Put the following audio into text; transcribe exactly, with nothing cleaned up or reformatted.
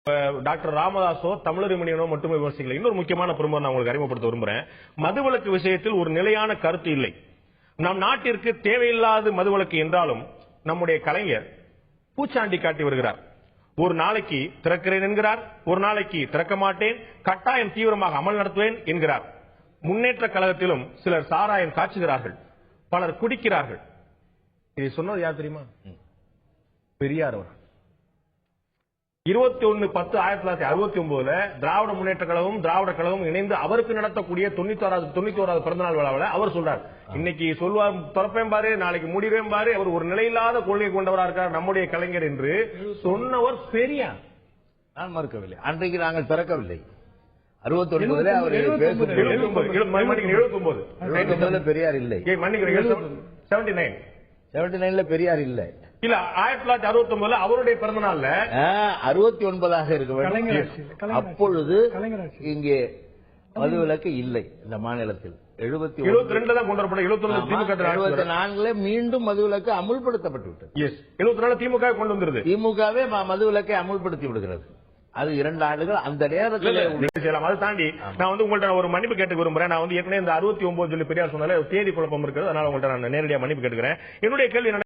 Doctor ராமதாசோ தமிழறிமணியனோ மட்டுமே விமர்சிக்கல. இன்னொரு முக்கியமான பிரமுகர் நான் உங்களுக்கு அறிமுகப்படுத்த விரும்புறேன். மதுவிலக்கு விஷயத்தில் ஒரு நிலையான கருத்து இல்லை. நம் நாட்டிற்கு தேவையில்லாத மதுவிலக்கு என்றாலும் நம்முடைய கலைஞர் பூச்சாண்டி காட்டி வருகிறார். ஒரு நாளைக்கு திறக்கிறேன் என்கிறார், ஒரு நாளைக்கு திறக்க மாட்டேன், கட்டாயம் தீவிரமாக அமல் நடத்துவேன் என்கிறார். முன்னேற்ற கழகத்திலும் சிலர் சாராயம் காய்ச்சுகிறார்கள், பலர் குடிக்கிறார்கள். இதை சொன்னது யார் தெரியுமா? பெரியார் அவர். இருபத்தி ஒன்னு பத்து ஆயிரத்தி தொள்ளாயிரத்தி அறுபத்தி ஒன்பதுல திராவிட முன்னேற்ற கழகம் திராவிட கழகம் இணைந்து அவருக்கு நடத்தக்கூடிய தொண்ணூத்தி தொண்ணூத்தி ஓராவது பிறந்தநாள் விழாவில் அவர் சொல்றார், இன்னைக்கு சொல்வார் திறப்பேன் பாரு, நாளைக்கு முடிவேன் பாரு, அவர் ஒரு நிலையில்லாத கொள்கை கொண்டவராக இருக்கார் நம்முடைய கலைஞர் என்று சொன்னவர் பெரியார். நான் மறுக்கவில்லை, அன்றைக்கு நாங்கள் திறக்கவில்லை. அறுபத்தி ஒன்பதுல அவர் எழுபத்தி ஒன்பது பெரியார் இல்லை, செவன்டி நைன் செவன்டி நைன்ல பெரியார் இல்லை. இல்ல ஆயிரத்தி தொள்ளாயிரத்தி அறுபத்தி ஒன்பதுல அவருடைய பிறந்த நாள்ல அறுபத்தி ஒன்பதாக இருக்க வேண்டும். அப்பொழுது இங்கே மதுவிலக்கு இல்லை இந்த மாநிலத்தில். எழுபத்தி எழுபத்தி ரெண்டுல தான் கொண்டு வரப்பட்ட எழுபத்தி நான்குல மீண்டும் மதுவிலக்கு அமுல்படுத்தப்பட்டு விட்டது. எழுபத்தி நாலு திமுக கொண்டு வந்துருது. திமுகவே மதுவிலக்கை அமுல்படுத்தி விடுகிறது. அது இரண்டு ஆண்டுகள் அந்த நேரத்தில் செய்யலாம். அதை தாண்டி நான் வந்து உங்கள்ட்ட ஒரு மன்னிப்பு கேட்டு விரும்புறேன். நான் வந்து ஏற்கனவே இந்த அறுபத்தி ஒன்பது சொல்லி பெரியார் சொன்னாலே தேதி குழப்பம் இருக்கிறது, அதனால உங்கள்ட்ட நான் நேரடியாக மன்னிப்பு கேட்டுக்கிறேன். என்னுடைய கேள்வி